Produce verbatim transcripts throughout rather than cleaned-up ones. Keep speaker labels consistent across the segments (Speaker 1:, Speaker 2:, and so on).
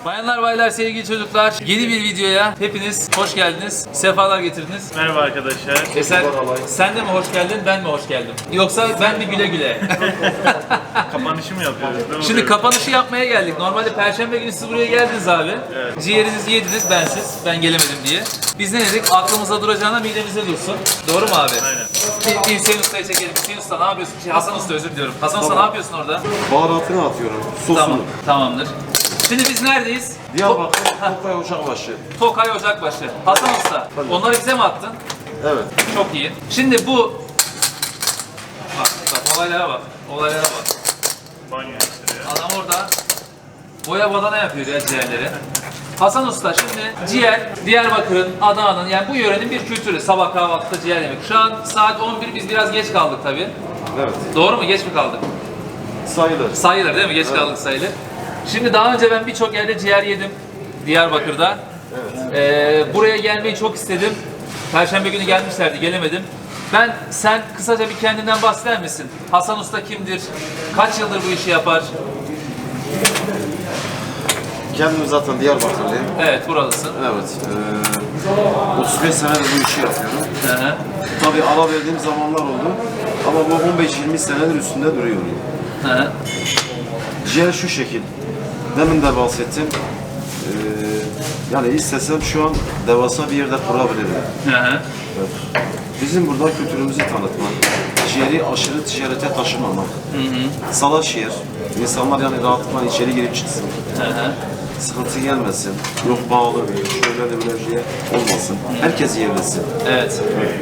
Speaker 1: Bayanlar baylar sevgili çocuklar, yeni bir videoya hepiniz hoş geldiniz, sefalar getirdiniz.
Speaker 2: Merhaba arkadaşlar.
Speaker 1: Eser, sen de mi hoş geldin, ben mi hoş geldim? Yoksa ben mi güle güle?
Speaker 2: Kapanışı mı yapıyoruz? Ne
Speaker 1: Şimdi
Speaker 2: oluyor?
Speaker 1: kapanışı yapmaya geldik. Normalde Perşembe günü siz buraya geldiniz abi.
Speaker 2: Evet.
Speaker 1: Ciğerinizi yediniz, bensiz, ben gelemedim diye. Biz ne dedik? Aklımıza duracağına midemize dursun. Doğru mu abi?
Speaker 2: Aynen.
Speaker 1: Bir, bir Hüseyin Usta'yı çekelim. Hüseyin Usta ne yapıyorsun? Şey, Hasan Usta özür diliyorum. Hasan Usta ne yapıyorsun orada?
Speaker 3: Baharatını atıyorum, sosunu.
Speaker 1: Tamam, tamamdır. Şimdi biz neredeyiz?
Speaker 3: Diyarbakır, Tokay Ocakbaşı.
Speaker 1: Tokay Ocakbaşı. Hasan Usta, onları bize mi attın?
Speaker 3: Evet.
Speaker 1: Çok iyi. Şimdi bu... Bak, bak olaylara bak. Olaylara bak.
Speaker 2: Banyo işleri ya.
Speaker 1: Adam orada boya badana yapıyor ya ciğerleri. Hasan Usta şimdi ciğer Diyarbakır'ın, Adana'nın yani bu yörenin bir kültürü. Sabah kahvaltıda ciğer yemek. Şu an saat on bir, biz biraz geç kaldık tabii.
Speaker 3: Evet.
Speaker 1: Doğru mu? Geç mi kaldık?
Speaker 3: Sayılır.
Speaker 1: Sayılır değil mi? Geç
Speaker 3: Evet.
Speaker 1: kaldık sayılır. Şimdi daha önce ben birçok yerde ciğer yedim. Diyarbakır'da.
Speaker 3: Evet.
Speaker 1: Ee, buraya gelmeyi çok istedim. Perşembe günü gelmişlerdi, gelemedim. Ben, sen kısaca bir kendinden bahseder misin? Hasan Usta kimdir? Kaç yıldır bu işi yapar?
Speaker 3: Kendim zaten Diyarbakırlıyım.
Speaker 1: Evet, buralısın.
Speaker 3: Evet. Ee, otuz beş senedir bu işi yapıyorum.
Speaker 1: Hı hı.
Speaker 3: Tabii ara verdiğim zamanlar oldu. Ama bu on beş yirmi senedir üstünde duruyorum.
Speaker 1: Hı hı.
Speaker 3: Ciğer şu şekil. Demin de bahsettim. Ee, yani istesem şu an devasa bir yerde kurabilirim.
Speaker 1: Hı hı.
Speaker 3: Evet. Bizim burada kültürümüzü tanıtmak, ciğeri aşırı ticarete taşımamak, salaş yer, insanlar yani rahatlıkla içeri girip çıksın,
Speaker 1: Hı hı.
Speaker 3: sıkıntı gelmesin, yok bağlı, şöyle de böyle diye olmasın, herkes yiyebilsin.
Speaker 1: Evet.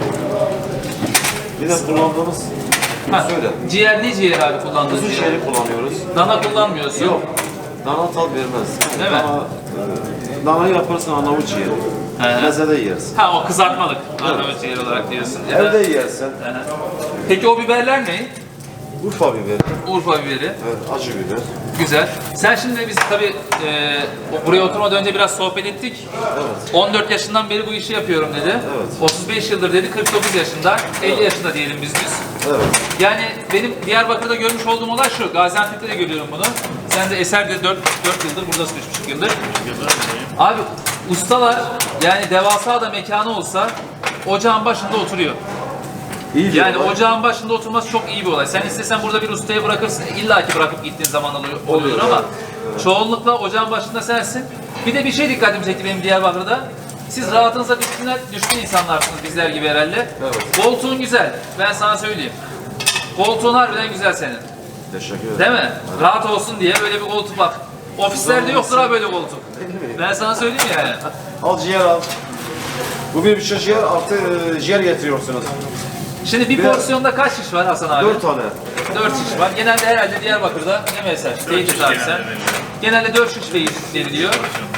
Speaker 3: Bir de kullandığımız,
Speaker 1: Ha,
Speaker 3: söyle,
Speaker 1: ciğer ne ciğer abi kullandığın
Speaker 3: kuzu
Speaker 1: ciğer?
Speaker 3: ciğeri kullanıyoruz.
Speaker 1: Dana kullanmıyorsun.
Speaker 3: Yok, dana tat vermez.
Speaker 1: Değil mi?
Speaker 3: Dana, e, danayı yaparsan Arnavut ciğeri,
Speaker 1: He.
Speaker 3: mezede yersin.
Speaker 1: Ha, o kızartmalık. Arnavut ciğer olarak diyorsun. Ya da-
Speaker 3: Evde yersin,
Speaker 1: Hı hı. Peki o biberler ne?
Speaker 3: Urfa biberi,
Speaker 1: Urfa biberi.
Speaker 3: evet, acı biber.
Speaker 1: Güzel. Sen şimdi biz tabii e, o- buraya oturmadan önce biraz sohbet ettik.
Speaker 3: Evet.
Speaker 1: on dört yaşından beri bu işi yapıyorum dedi.
Speaker 3: Evet.
Speaker 1: otuz beş yıldır dedi, kırk dokuz yaşında, elli yaşında diyelim biz biz.
Speaker 3: Evet.
Speaker 1: Yani benim Diyarbakır'da görmüş olduğum olay şu, Gaziantep'te de görüyorum bunu. Sen de Eser'de dört yıldır, buradasın üç buçuk yıldır. Abi ustalar yani devasa da mekanı olsa ocağın başında oturuyor.
Speaker 3: İyi bir
Speaker 1: Yani
Speaker 3: olay. ocağın
Speaker 1: ocağın başında oturması çok iyi bir olay. Sen istesen burada bir ustaya bırakırsın, illaki bırakıp gittiğin zaman oluyor, oluyor ama çoğunlukla ocağın başında sensin. Bir de bir şey dikkatimi çekti benim Diyarbakır'da. Siz rahatınıza düşkün, düşkün insanlarsınız bizler gibi herhalde.
Speaker 3: Evet.
Speaker 1: Koltuğun güzel, ben sana söyleyeyim. Koltuğun harbiden güzel senin.
Speaker 3: Teşekkür ederim.
Speaker 1: Değil mi? Rahat olsun diye böyle bir koltuk bak. Ofislerde yoktur ha böyle koltuk. Ben sana söyleyeyim yani.
Speaker 3: Al ciğer al. Bu bir buçuk ciğer artı e, ciğer getiriyorsunuz.
Speaker 1: Şimdi bir
Speaker 3: Biraz-
Speaker 1: porsiyonda kaç şiş var Hasan abi?
Speaker 3: Dört tane.
Speaker 1: dört şiş var. Genelde herhalde Diyarbakır'da ne mesela? Teyit et abi sen. Genelde dört şiş ver- veriliyor.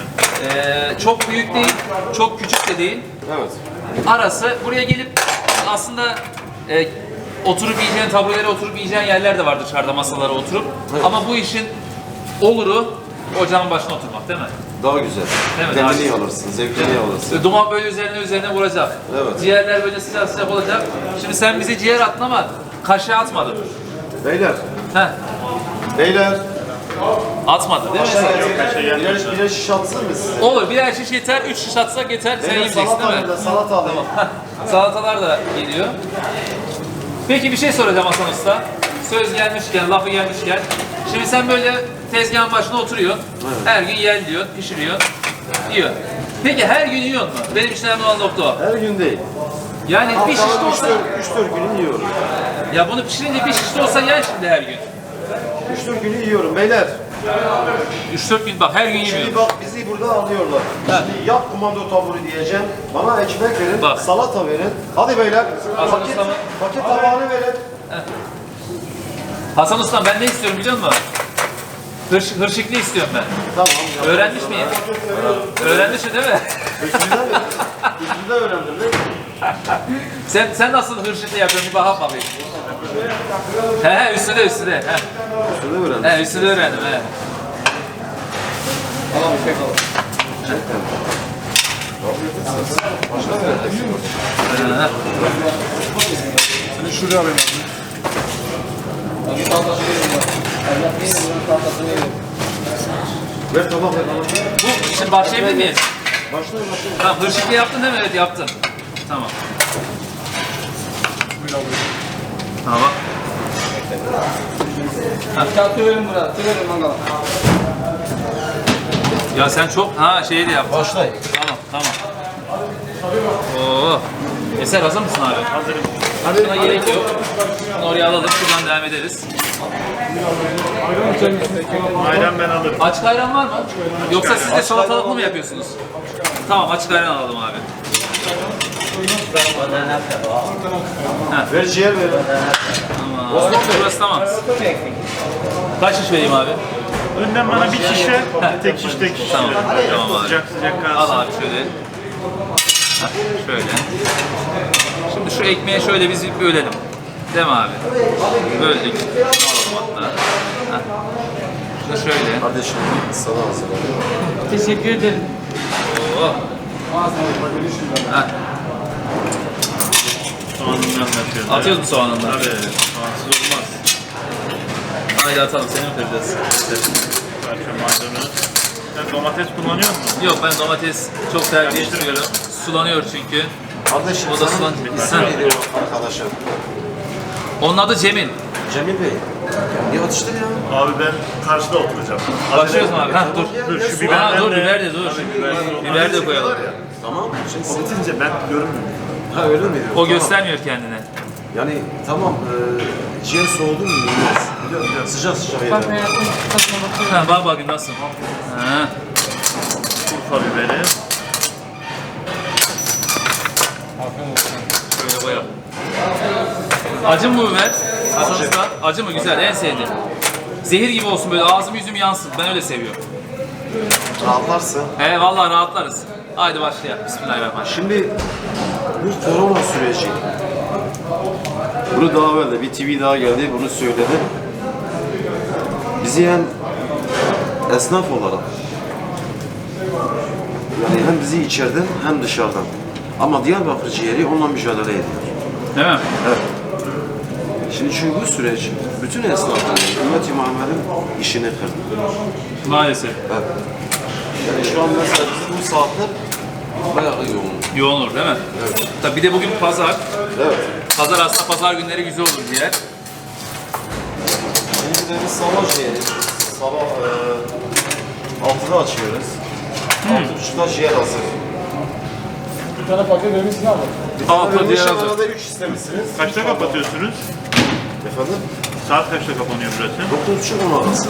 Speaker 1: Ee, çok büyük değil, çok küçük de değil.
Speaker 3: Evet.
Speaker 1: Arası buraya gelip aslında e, oturup yiyeceğin, taburelere oturup yiyeceğin yerler de var dışarıda masalara oturup.
Speaker 3: Evet.
Speaker 1: Ama bu işin oluru ocağın başına oturmak değil mi?
Speaker 3: Daha güzel.
Speaker 1: Değil mi? Daha
Speaker 3: Kendini
Speaker 1: güzel.
Speaker 3: alırsın, zevkini alırsın.
Speaker 1: Ve duman böyle üzerine üzerine vuracak.
Speaker 3: Evet.
Speaker 1: Ciğerler böyle sıcak sıcak olacak. Şimdi sen bize ciğer attın ama kaşığı atmadın.
Speaker 3: Beyler,
Speaker 1: Heh,
Speaker 3: beyler.
Speaker 1: atmadın değil mi?
Speaker 3: Aşağı
Speaker 1: sen?
Speaker 3: gelin. Birer, birer şiş atsın mı size?
Speaker 1: Olur, birer şiş yeter, üç şiş atsak yeter. Sen
Speaker 3: Beyler
Speaker 1: yiyeceksin
Speaker 3: salata
Speaker 1: değil mi?
Speaker 3: alayım da salata alayım.
Speaker 1: Salatalar da geliyor. Peki bir şey soracağım Hasan Usta. Söz gelmişken, lafı gelmişken. Şimdi sen böyle tezgahın başına oturuyorsun. Her gün yer diyorsun, pişiriyorsun, yiyor. Peki her gün yiyor mu? Benim için önemli olan nokta o.
Speaker 3: Her gün değil.
Speaker 1: Yani bir şiş de
Speaker 3: Haftanın
Speaker 1: olsa,
Speaker 3: üç dört günü yiyorum.
Speaker 1: ya bunu pişirince bir şiş de olsa yer şimdi her gün.
Speaker 3: üç dört günü yiyorum beyler.
Speaker 1: üç dört gün bak her gün
Speaker 3: Şimdi
Speaker 1: yemiyorum.
Speaker 3: bak bizi burada alıyorlar. Şimdi yap komando taburu diyeceğim. Bana ekmek verin,
Speaker 1: Bak.
Speaker 3: salata verin. Hadi beyler.
Speaker 1: Hasan
Speaker 3: Paket,
Speaker 1: Usta'nın-
Speaker 3: paket tabağını verin.
Speaker 1: Hasan Usta ben ne istiyorum biliyor musun? Hırş, hırşıklı istiyorum ben.
Speaker 3: Tamam.
Speaker 1: Öğrenmiş miyim? Öğrenmişsin değil mi?
Speaker 3: Üstünde mi? Üstünde öğrendim değil mi?
Speaker 1: Sen sen nasıl hırşıklı yapıyorsun bir bak bakayım. He he üstüne üstüne. He.
Speaker 3: Üstünde öğrendim.
Speaker 1: He üstüne öğrendim he. He.
Speaker 3: Seni şuraya alayım abi. Ver tabak ver bana.
Speaker 1: Bu şimdi başlayabilir miyiz?
Speaker 3: Başlayın başlayın.
Speaker 1: Tamam, hırşıklı yaptın değil mi? Evet, yaptın. Tamam. Tamam.
Speaker 4: Atıyorum buraya, atıyorum mangala.
Speaker 1: Ya sen çok ha şeyi de yaptın.
Speaker 3: Başlayın.
Speaker 1: Tamam, tamam. Oo. Eser hazır mısın abi?
Speaker 2: Hazırım.
Speaker 1: Buna gerek yok. Bunu oraya alalım, şuradan devam ederiz.
Speaker 2: Ayran ben alırım.
Speaker 1: Açık ayran var mı? Yoksa siz de salatalıklı mı yapıyorsunuz? Tamam, açık ayran alalım abi.
Speaker 3: Ver ciğer ver.
Speaker 1: Tamam. Burası tamam. Kaç şiş vereyim abi?
Speaker 2: Önden bana bir şişe, tek şiş tek şiş.
Speaker 1: Tamam,
Speaker 2: verin.
Speaker 1: tamam abi.
Speaker 2: Sıcak sıcak
Speaker 1: Al
Speaker 2: kalsın.
Speaker 1: abi şöyle. Heh, şöyle. Şimdi şu ekmeği şöyle biz bir bölelim. Değil mi abi? Böldük. Alalım hatta. Heh. Şunu şöyle.
Speaker 3: Kardeşim sana hazırladım.
Speaker 4: Teşekkür ederim.
Speaker 1: Oo. Heh.
Speaker 2: Soğanını anlatıyoruz.
Speaker 1: Atıyoruz mu soğanını?
Speaker 2: Tabii. Soğansız olmaz.
Speaker 1: Haydi atalım, seni mi kıracağız?
Speaker 2: Parça maydanoz. Sen domates kullanıyor musun?
Speaker 1: Yok, ben domates çok tercih etmiyorum. Sulanıyor çünkü.
Speaker 3: Kardeşim
Speaker 1: O da
Speaker 3: sana
Speaker 1: sulan-
Speaker 3: isim
Speaker 1: Ha.
Speaker 3: veriyorum arkadaşım.
Speaker 1: Onun adı Cemil.
Speaker 3: Cemil Bey. Ya atıştır ya.
Speaker 2: Abi ben karşıda oturacağım.
Speaker 1: Başlıyoruz mu abi? Ha dur.
Speaker 2: Dur şu
Speaker 1: Ha,
Speaker 2: biberden
Speaker 1: dur
Speaker 2: de...
Speaker 1: biber de dur.
Speaker 2: Tabii, biber de-
Speaker 1: Biber de koyalım.
Speaker 3: Tamam. Şimdi
Speaker 2: O bitince ben görünmüyorum.
Speaker 3: ha öyle mi?
Speaker 1: O
Speaker 3: Tamam.
Speaker 1: göstermiyor kendini.
Speaker 3: Yani tamam. E, ciğer soğudu mu yiyeceğiz. Biliyorum biliyorum. Sıcak sıcak
Speaker 4: Bak
Speaker 3: yiyelim.
Speaker 4: hayatım, tadına bakıyorum.
Speaker 1: Ha, bak bakayım nasıl. Ha.
Speaker 2: Urfa biberi.
Speaker 1: Şöyle koyalım. Acı mı bu biber? Hasan Usta. Acı mı? Güzel, en sevdiğim. Zehir gibi olsun, böyle ağzım yüzüm yansın. Ben öyle seviyorum.
Speaker 3: Rahatlarsın.
Speaker 1: He vallahi rahatlarız. Haydi başlayalım. Bismillahirrahmanirrahim.
Speaker 3: Şimdi bu korona süreci. Bunu daha evvel de bir T V daha geldi, bunu söyledi. Bizi hem esnaf olarak, yani hem bizi içeriden hem dışarıdan. Ama Diyarbakır ciğeri onunla mücadele ediyor.
Speaker 1: Değil mi?
Speaker 3: Evet. Şimdi çünkü bu süreç bütün esnafların, Ümmet-i Muhammed'in işini kırdı.
Speaker 1: Maalesef.
Speaker 3: Evet. Yani şu an mesela bizim bu saatler bayağı yoğun.
Speaker 1: Yoğun olur değil mi?
Speaker 3: Evet.
Speaker 1: Tabii bir de bugün pazar.
Speaker 3: Evet.
Speaker 1: Pazar aslında pazar günleri güzel olur diye.
Speaker 3: Şimdi de biz sabah ciğeri, sabah e, altıda açıyoruz. Altı buçukta ciğer hazır.
Speaker 4: Bir tane paket vermişsin abi.
Speaker 3: Bir tane
Speaker 1: Altı
Speaker 3: vermiş,
Speaker 1: ciğer hazır.
Speaker 3: arada üç istemişsiniz.
Speaker 2: Kaçta kapatıyorsunuz?
Speaker 3: Efendim?
Speaker 2: Saat kaçta kapanıyor burası?
Speaker 3: Dokuz buçuk on arası.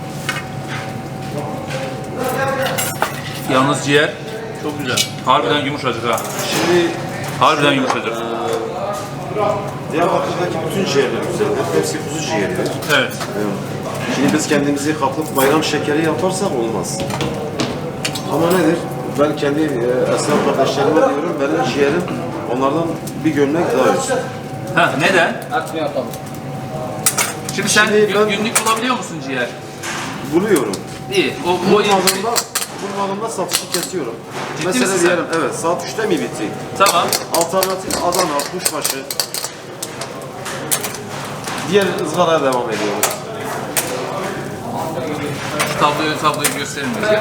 Speaker 1: Yalnız ciğer
Speaker 2: Çok güzel.
Speaker 1: harbiden yumuşacık ha.
Speaker 3: Şimdi
Speaker 1: Harbiden yumuşacık.
Speaker 3: Diyarbakır'daki bütün ciğerler güzeldir. Hepsi kuzu ciğeridir.
Speaker 1: Evet.
Speaker 3: Şimdi biz kendimizi kapıp bayram şekeri yaparsak olmaz. Ama nedir? Ben kendi e, esnaf kardeşlerime diyorum, benim ciğerim onlardan bir gömlek daha üst.
Speaker 1: Ha neden?
Speaker 4: Atma yapalım.
Speaker 1: Şimdi sen
Speaker 3: Şimdi
Speaker 1: gün-
Speaker 3: ben-
Speaker 1: günlük bulabiliyor musun ciğer?
Speaker 3: Buluyorum.
Speaker 1: İyi. O, o iyi.
Speaker 3: Bulmadığımda, bulmadığımda satışı kesiyorum.
Speaker 1: Ciddi
Speaker 3: Mesela
Speaker 1: misin sen?
Speaker 3: diyelim, evet saat üçte mi bitti?
Speaker 1: Tamam.
Speaker 3: Alternatif Adana, kuşbaşı. Diğer ızgaraya devam ediyoruz.
Speaker 1: Şu tabloyu tabloyu gösterin bize.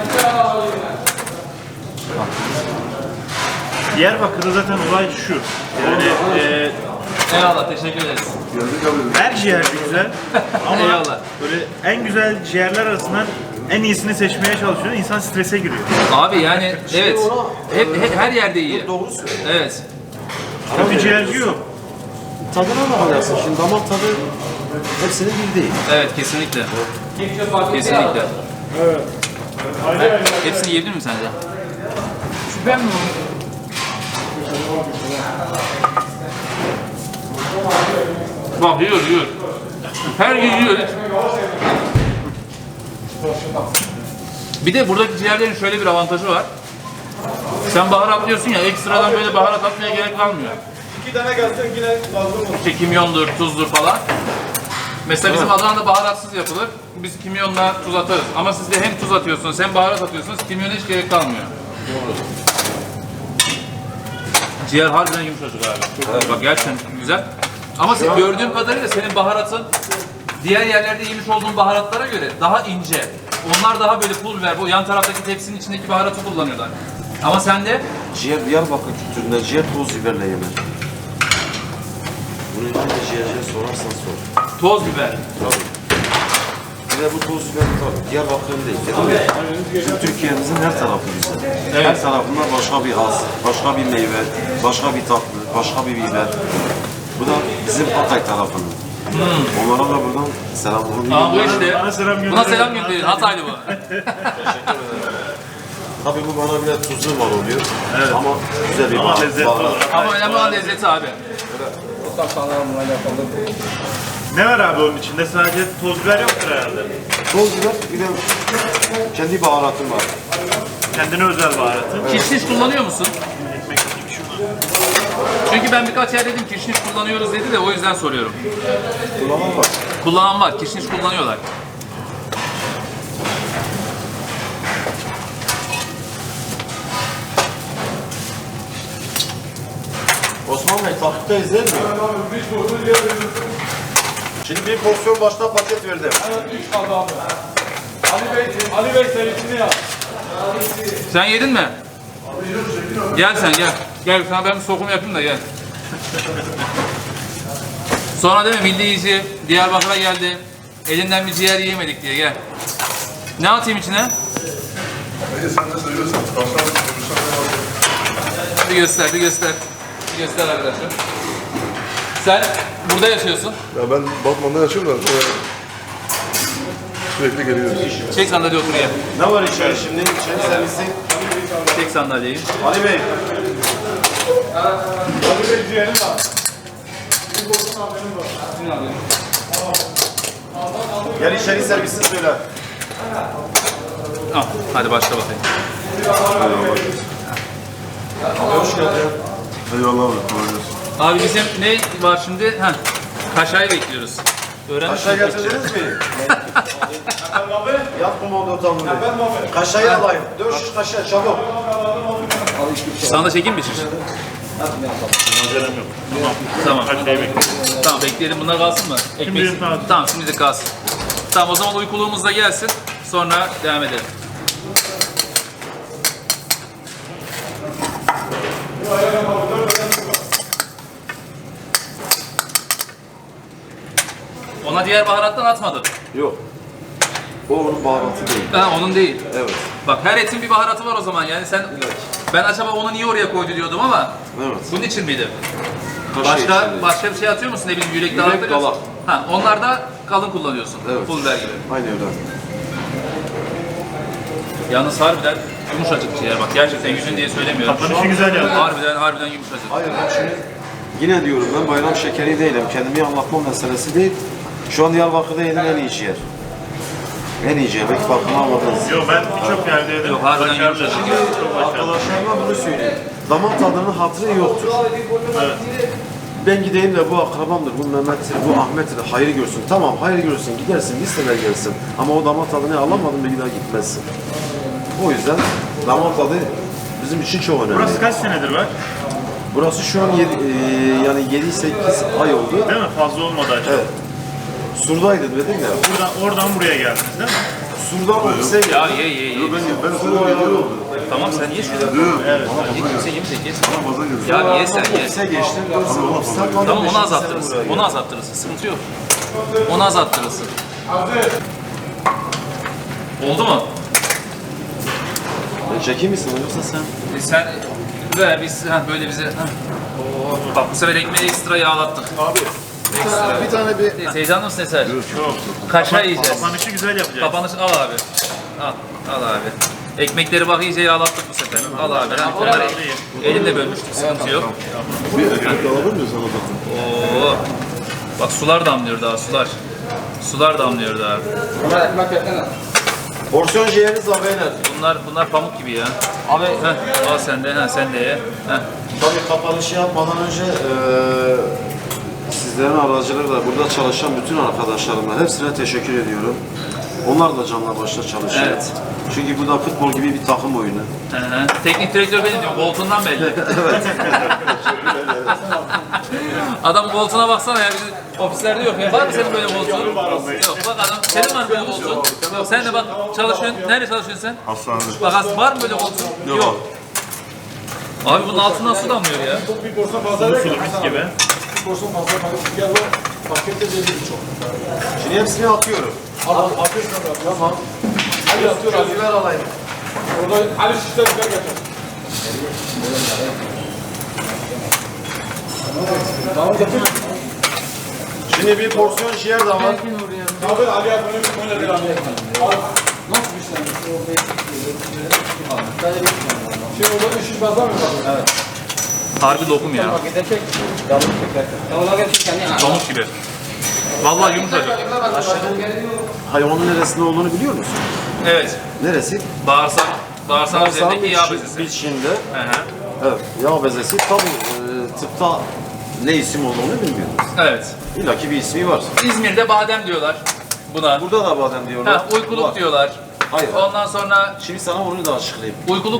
Speaker 2: Diyarbakır'da zaten olay şu. Yani e,
Speaker 1: Eyvallah, teşekkür ederiz.
Speaker 3: Gördük abi.
Speaker 2: her ciğer bir güzel ama
Speaker 1: Eyvallah.
Speaker 2: böyle en güzel ciğerler arasından en iyisini seçmeye çalışıyor. İnsan strese giriyor.
Speaker 1: Abi yani evet.
Speaker 3: ona-
Speaker 1: Hep, hep her yerde iyi.
Speaker 3: Doğru söylüyor.
Speaker 1: Evet.
Speaker 2: Kötü ciğerci yok.
Speaker 3: Tadına bakacaksın. Şimdi damak tadı hepsinin bir değil.
Speaker 1: Evet, kesinlikle. Kesinlikle. Hepsini yiyebilir miyim sence?
Speaker 4: Şüphem mi var?
Speaker 1: Bak yiyor yiyor. Her gün yiyor. Bir de buradaki ciğerlerin şöyle bir avantajı var. Sen baharatlıyorsun ya, ekstradan böyle baharat atmaya gerek kalmıyor.
Speaker 5: İki tane gelsin yine lazım.
Speaker 1: İşte kimyondur, tuzdur falan. Mesela bizim Adana'da baharatsız yapılır. Biz kimyonla tuz atarız. Ama siz de hem tuz atıyorsunuz hem baharat atıyorsunuz. Kimyona hiç gerek kalmıyor. Doğru. Ciğer harbiden yumuşacık abi. Bak gerçekten güzel. Ama sen, gördüğüm kadarıyla senin baharatın diğer yerlerde yemiş olduğun baharatlara göre daha ince. onlar daha böyle pul biber, bu yan taraftaki tepsinin içindeki baharatı kullanıyorlar. Ama sende
Speaker 3: Ciğer Diyarbakır kültüründe ciğer toz biberle yenir. Bunu hangi ciğerciye sorarsan sor.
Speaker 1: toz biber.
Speaker 3: Tabii. Bir de bu toz biber tabii Diyarbakır'ın değil. Dedim ya, bizim Türkiye'mizin her tarafı güzel.
Speaker 1: Evet.
Speaker 3: Her tarafında başka bir haz, başka bir meyve, başka bir tatlı, başka bir biber. Bu da bizim Hatay tarafının. Hmm. Onlara da buradan selam olun.
Speaker 1: Aa bu işte.
Speaker 2: Bana selam gönderiyor.
Speaker 1: Buna selam gönderiyor. Hataylı bu.
Speaker 3: Tabii bu bana biraz tuzlu mal oluyor. Evet. Ama güzel bir
Speaker 2: Ama
Speaker 3: baharat.
Speaker 2: lezzetli
Speaker 3: baharat.
Speaker 2: olarak.
Speaker 1: Ama önemli olan lezzeti abi.
Speaker 2: Ne var abi onun içinde? Sadece toz biber yoktur herhalde.
Speaker 3: Toz biber bir de kendi baharatım var.
Speaker 2: Kendine özel baharatı.
Speaker 1: Kişniş kullanıyor musun?
Speaker 2: Ekmek yiyeyim şunu.
Speaker 1: Çünkü ben birkaç yer dedim kişniş kullanıyoruz dedi de o yüzden soruyorum.
Speaker 3: Kullanan var.
Speaker 1: Kullanan var, kişniş kullanıyorlar.
Speaker 3: Osman Bey takipte izler mi? Şimdi bir porsiyon başta paket verdim.
Speaker 5: üç kaldı abi. Ali Bey, Ali Bey serisini yap.
Speaker 1: Sen yedin mi? Gel sen gel. Gel sana ben bir sokum yapayım da gel. Sonra değil mi milli yiyici Diyarbakır'a geldi. Elinden bir ciğer yiyemedik diye gel. Ne atayım içine? Bir göster, bir göster. Bir göster arkadaşlar. Sen burada yaşıyorsun.
Speaker 6: Ya ben Batman'da yaşıyorum da e, sürekli geliyoruz.
Speaker 1: Çek sandalye otur gel.
Speaker 3: Ne var içeri şimdi? İçeri servisi.
Speaker 1: Çek sandalyeyi.
Speaker 3: Ali Bey.
Speaker 5: Ali Bey ciğerim var.
Speaker 3: Gel içeri servisi söyle.
Speaker 1: Al, hadi başla bakayım.
Speaker 3: Hoş geldin.
Speaker 6: Eyvallah abi, kolay gelsin.
Speaker 1: Abi bizim ne var şimdi? Heh, kaşayı bekliyoruz. Öğrenmiş
Speaker 3: Kaşayı
Speaker 1: olduk.
Speaker 3: getirdiniz mi? Yap komando tamamını. Kaşayı alayım. Dört şiş kaşığı çabuk.
Speaker 1: Sana da çekeyim mi şiş?
Speaker 2: Acelem yok.
Speaker 1: Tamam.
Speaker 2: Kaç şey bekliyorum.
Speaker 1: Tamam bekleyelim. Bunlar kalsın mı? Ekmek.
Speaker 2: Şimdi kalsın.
Speaker 1: Tamam şimdi de kalsın. Tamam o zaman uykuluğumuz da gelsin. Sonra devam edelim. Ona diğer baharattan atmadım.
Speaker 3: Yok. O onun baharatı değil.
Speaker 1: Ha onun değil.
Speaker 3: Evet.
Speaker 1: Bak her etin bir baharatı var o zaman yani sen ben acaba onu niye oraya koydu diyordum ama
Speaker 3: Evet.
Speaker 1: bunun için miydi?
Speaker 3: Kaşığı
Speaker 1: Başka
Speaker 3: içinde.
Speaker 1: başka bir şey atıyor musun? Ne bileyim yürek
Speaker 3: Yürek,
Speaker 1: dağıtıyorsun.
Speaker 3: dalak.
Speaker 1: Ha onlar da kalın kullanıyorsun.
Speaker 3: Evet.
Speaker 1: Pul biber gibi.
Speaker 3: Aynı öyle.
Speaker 1: Yalnız harbiden yumuşacık ciğer bak gerçekten yüzün diye söylemiyorum.
Speaker 2: Kapanışı güzel yaptın.
Speaker 1: Harbiden harbiden yumuşacık.
Speaker 3: Hayır ben şimdi yine diyorum ben bayram şekeri değilim. Kendimi anlatma meselesi değil. Şu an Diyarbakır'da yediğim en iyi ciğer. En iyi ciğer. Belki farkına almadınız.
Speaker 2: Yok ben birçok yerde yedim.
Speaker 1: Yok, harbiden
Speaker 2: Başarılı.
Speaker 1: yumuşacık.
Speaker 2: Çok başarılı.
Speaker 3: Arkadaşlarıma bunu söyleyeyim. Damak tadının hatırı yoktur.
Speaker 2: Evet.
Speaker 3: Ben gideyim de bu akrabamdır, bu Mehmet'tir, bu Ahmet'tir, hayır görsün. Tamam hayır görsün, gidersin, bir sefer gelsin. Ama o damak tadını alamadın bir daha gitmezsin. O yüzden damak tadı bizim için çok önemli.
Speaker 2: Burası kaç senedir var?
Speaker 3: Burası şu an yedi, e, yani yedi sekiz ay oldu.
Speaker 2: Değil mi? Fazla olmadı açık.
Speaker 3: Evet. Sur'daydı dedim ya.
Speaker 2: Buradan, oradan buraya geldiniz değil mi?
Speaker 3: Sur'dan ofise
Speaker 1: Ya
Speaker 3: geldim.
Speaker 1: ye ye ye.
Speaker 6: Ben, ben sana bir oldu.
Speaker 1: Tamam sen ye şunu.
Speaker 2: Evet.
Speaker 1: Ye kimse yemeyecek ye.
Speaker 6: Bana fazla geldi.
Speaker 1: Ya ye sen ye.
Speaker 3: Ofise geçtim, dört sene ofiste kaldım.
Speaker 1: Tamam onu
Speaker 3: beşinci
Speaker 1: azalttırırsın.
Speaker 3: sene buraya
Speaker 1: Onu azalttırırsın. Sıkıntı yok. Onu azalttırırsın. Oldu mu?
Speaker 3: geldim. Çekeyim misin yoksa sen?
Speaker 1: E sen ver biz ha, böyle bize. Ha. Oo, bak bu sefer ekmeği ekstra yağlattık.
Speaker 3: Abi.
Speaker 1: Ekstra.
Speaker 3: Bir tane bir...
Speaker 1: Heyecanlı mısın Eser?
Speaker 2: Çok.
Speaker 1: Kaşar yiyeceğiz.
Speaker 2: Kapanışı güzel yapacağız.
Speaker 1: Kapanış al abi. Al, al abi. Ekmekleri bak iyice yağlattık bu sefer. Al abi. Ha, onları elimle bölmüştüm. Sıkıntı yok.
Speaker 6: Bir ekmek alabilir miyim sana da?
Speaker 1: Oo. Bak sular damlıyor daha sular. Sular damlıyor daha.
Speaker 3: Porsiyon ciğeriniz var beyler.
Speaker 1: Bunlar bunlar pamuk gibi ya. Abi heh, al sen de, ha sen de ye. Heh.
Speaker 3: Tabii kapanışı yapmadan önce eee sizlerin aracılığıyla burada çalışan bütün arkadaşlarıma hepsine teşekkür ediyorum. Onlar da canla başla çalışıyor.
Speaker 1: Evet.
Speaker 3: Çünkü bu da futbol gibi bir takım oyunu.
Speaker 1: Hı hı. Teknik direktör benim diyorum. Bolton'dan belli. Adam Bolton'a baksana ya. Bizim ofislerde yok ya. Var mı senin böyle Bolton? Yok. Bak adam. Senin var mı böyle Bolton? Yok. Sen de bak çalışıyorsun. Nerede çalışıyorsun sen?
Speaker 6: Hastanede.
Speaker 1: Bak as- var mı böyle Bolton? Yok. Abi bunun altından su damlıyor ya.
Speaker 5: Bir porsiyon fazla ver.
Speaker 2: Sulu mis gibi.
Speaker 5: Bir porsiyon fazla ver. Gel o pakette de bir çok.
Speaker 3: Şimdi hepsini atıyorum.
Speaker 5: Al al atıyorsun abi. Tamam. Ali atıyor Ali.
Speaker 3: Ver alayım.
Speaker 5: Orada Ali şişler güzel geçer. Tamam getir.
Speaker 3: Şimdi bir porsiyon ciğer de var.
Speaker 5: Abi Ali'ye böyle böyle bir abi. Al. Nasıl bir şey? Şey orada şiş fazla mı var? Evet.
Speaker 1: Harbi lokum ya. Pamuk gibi. Vallahi yumuşacık.
Speaker 3: Hayvanın neresinde olduğunu biliyor musun?
Speaker 1: Evet.
Speaker 3: Neresi?
Speaker 1: Bağırsak. Bağırsak
Speaker 3: Bağırsağın
Speaker 1: üzerindeki yağ
Speaker 3: içi-
Speaker 1: bezesi.
Speaker 3: içinde.
Speaker 1: Hı hı.
Speaker 3: Evet. Yağ bezesi. Tabii e, tıpta ne isim olduğunu bilmiyoruz.
Speaker 1: Evet.
Speaker 3: İlla ki bir ismi var.
Speaker 1: İzmir'de badem diyorlar buna.
Speaker 3: Burada da badem diyorlar.
Speaker 1: Ha, uykuluk
Speaker 3: Var.
Speaker 1: diyorlar.
Speaker 3: Hayır.
Speaker 1: Ondan sonra
Speaker 3: Şimdi sana onu da açıklayayım.
Speaker 1: uykuluk.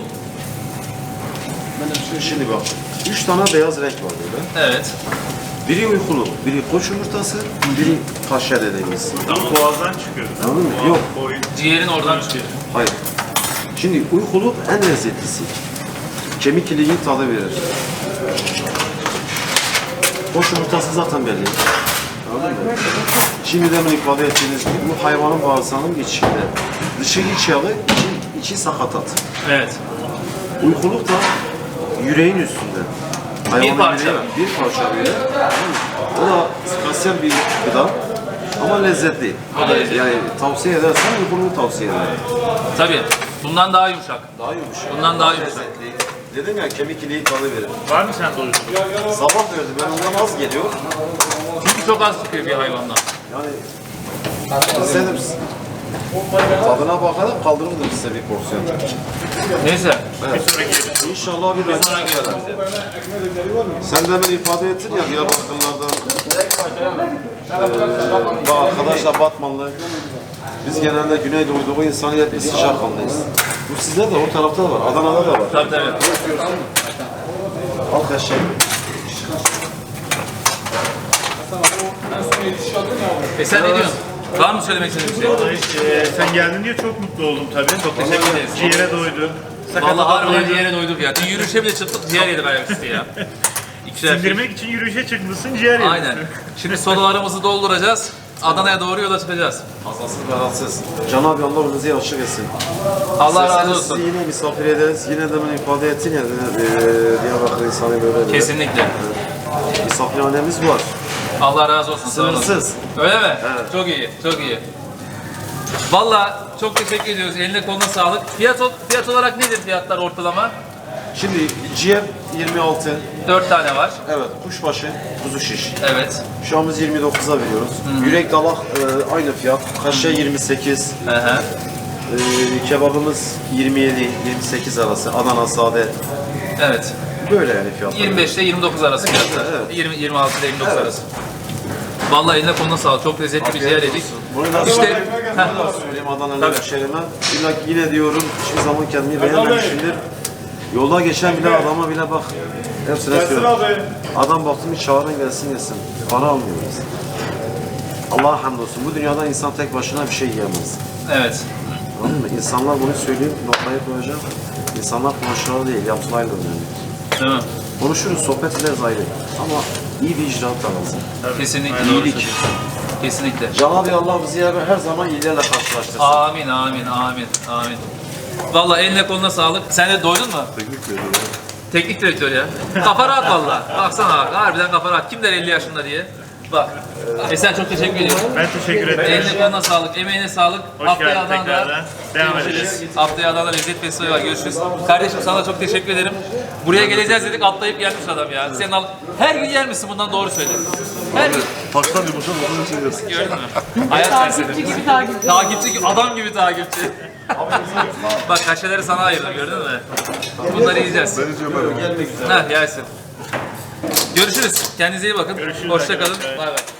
Speaker 3: Şimdi bak. Üç tane beyaz renk var burada.
Speaker 1: Evet.
Speaker 3: Biri uykulu, biri koç yumurtası, biri kaşar dediğimiz.
Speaker 2: Bu boğazdan çıkıyor.
Speaker 3: Anladın mı? Yok.
Speaker 2: Boyun.
Speaker 1: Ciğerin oradan çıkıyor.
Speaker 3: Hayır. Şimdi uykuluk en lezzetlisi. Kemik iliği tadı verir. Koç yumurtası zaten belli. Anladın mı? Şimdi demin ifade ettiğiniz gibi bu hayvanın bağırsağının içinde. Dışı iç yağı, içi, içi sakatat.
Speaker 1: Evet.
Speaker 3: Uykuluk da yüreğin üstünde. Hayvanın
Speaker 1: parça.
Speaker 3: yüreği var. Bir parça böyle. O da spesiyel bir gıda ama lezzetli.
Speaker 1: O da lezzetli.
Speaker 3: Yani tavsiye edersen uykuluğu tavsiye ederim.
Speaker 1: Tabii. Bundan daha yumuşak.
Speaker 3: Daha yumuşak.
Speaker 1: Bundan daha yumuşak.
Speaker 3: lezzetli. Dedim ya kemik iliği tadı verir.
Speaker 2: Var mı sende uykuluk?
Speaker 3: Sabah verdim ben ondan az geliyor.
Speaker 1: Çünkü çok az çıkıyor bir hayvandan.
Speaker 3: Yani istedim tadına bakarak kaldırırdım size bir porsiyon.
Speaker 1: Neyse.
Speaker 3: İnşallah bir rakip çıkar. Sen demin ifade ettin ya Diyarbakırlardan ee, bu arkadaşla Batmanlı. Biz genelde Güneydoğu'da insanı hep biz sıcakkanlıyız. Bu sizde de o tarafta da var. Adana'da da var.
Speaker 1: Tabii tabii.
Speaker 3: Al kaşık.
Speaker 1: E sen ne diyorsun? Var mı söylemek istediğin bir şey?
Speaker 2: Vallahi e, sen geldin diye çok mutlu oldum tabii. Çok
Speaker 1: teşekkür ederiz.
Speaker 2: Ciğere doydun.
Speaker 1: Vallahi harbiden ciğere doyduk ya. Dün yürüyüşe bile çıktık, ciğer yedik ayaküstü ya. İkişer şey.
Speaker 2: Sindirmek için yürüyüşe çıkmışsın, ciğer yedin.
Speaker 1: Aynen. Şimdi sololarımızı dolduracağız. Adana'ya doğru yola çıkacağız.
Speaker 3: Azasız belasız. Cenab-ı Allah önünüzü açık etsin.
Speaker 1: Allah razı
Speaker 3: Sesiniz
Speaker 1: olsun.
Speaker 3: Sizi yine misafir ederiz. Yine de ben ifade ettin ya e, Diyarbakır insanı böyle böyle.
Speaker 1: Kesinlikle.
Speaker 3: Misafirhanemiz var.
Speaker 1: Allah razı olsun. sağ olun.
Speaker 3: Sınırsız.
Speaker 1: Öyle mi?
Speaker 3: Evet.
Speaker 1: Çok iyi, çok iyi. Vallahi çok teşekkür ediyoruz. Eline koluna sağlık. Fiyat, ol- fiyat olarak nedir fiyatlar ortalama?
Speaker 3: Şimdi ciğer yirmi altı.
Speaker 1: Dört tane var.
Speaker 3: Evet, kuşbaşı, kuzu şiş.
Speaker 1: Evet.
Speaker 3: Şu an biz yirmi dokuza veriyoruz. Yürek dalak e, aynı fiyat. Kaşe yirmi sekiz.
Speaker 1: Hı hı.
Speaker 3: E, kebabımız yirmi yedi yirmi sekiz arası. Adana sade.
Speaker 1: Evet.
Speaker 3: Böyle yani fiyatlar.
Speaker 1: yirmi beş ile yirmi dokuz arası fiyatlar.
Speaker 3: Evet.
Speaker 1: yirmi yirmi altı ile yirmi dokuz
Speaker 3: Evet.
Speaker 1: arası. Vallahi eline koluna sağlık. Çok lezzetli bir ciğer yedik.
Speaker 3: Bunu nasıl
Speaker 1: İşte
Speaker 3: Bunu da söyleyeyim Adana'nın
Speaker 1: Tabii.
Speaker 3: hemşehrime. İlla ki yine diyorum hiçbir zaman kendimi beğenmemişimdir. Yolda geçen bile adama bile bak. Hepsine söylüyorum. Adam baktım bir çağırın gelsin yesin. Para almıyoruz. Allah'a hamdolsun. Bu dünyada insan tek başına bir şey yiyemez.
Speaker 1: evet.
Speaker 3: Anladın mı? İnsanlar bunu söyleyip noktaya koyacak. İnsanlar konuşmaları değil, yaptılarla önemli.
Speaker 1: Değil mi?
Speaker 3: Konuşuruz, sohbet ederiz ayrı. Ama iyi bir icraat da lazım.
Speaker 1: Kesinlikle.
Speaker 2: Aynen.
Speaker 1: doğru
Speaker 3: İyilik.
Speaker 1: söylüyorsun. Kesinlikle.
Speaker 3: Cenab-ı Allah bizi her zaman iyilerle karşılaştırsın.
Speaker 1: Amin, amin, amin, amin. Vallahi eline koluna sağlık. Sen de doydun mu?
Speaker 6: Teknik veriyor.
Speaker 1: Teknik direktör ya. Kafa rahat valla. Baksana bak. Harbiden kafa rahat. Kim der elli yaşında diye. Bak. Esen çok teşekkür ediyorum.
Speaker 2: Ben teşekkür ederim.
Speaker 1: Eline koluna sağlık, emeğine sağlık.
Speaker 2: Hoş
Speaker 1: Haftaya
Speaker 2: geldin
Speaker 1: Adana'da
Speaker 2: tekrardan. Devam
Speaker 1: görüşürüz.
Speaker 2: ederiz.
Speaker 1: Haftaya Adana'da lezzet festivali var. Görüşürüz. Kardeşim sana da çok teşekkür ederim. Buraya geleceğiz dedik atlayıp gelmiş adam ya. Sen al. Her gün yer misin bundan doğru söyle. Her gün.
Speaker 6: Taştan yumuşak olduğunu için yersin.
Speaker 1: Gördün mü? Hayat felsefesi.
Speaker 4: gibi takip.
Speaker 1: Takipçi gibi, adam gibi takipçi. Bak kaşeleri sana ayırdım gördün mü? Bunları yiyeceğiz.
Speaker 6: Ben içiyorum ben.
Speaker 1: Heh gelsin. Görüşürüz. Kendinize iyi bakın.
Speaker 2: Görüşürüz
Speaker 1: Hoşça kalın.
Speaker 2: arkadaşlar.
Speaker 1: Bay bay.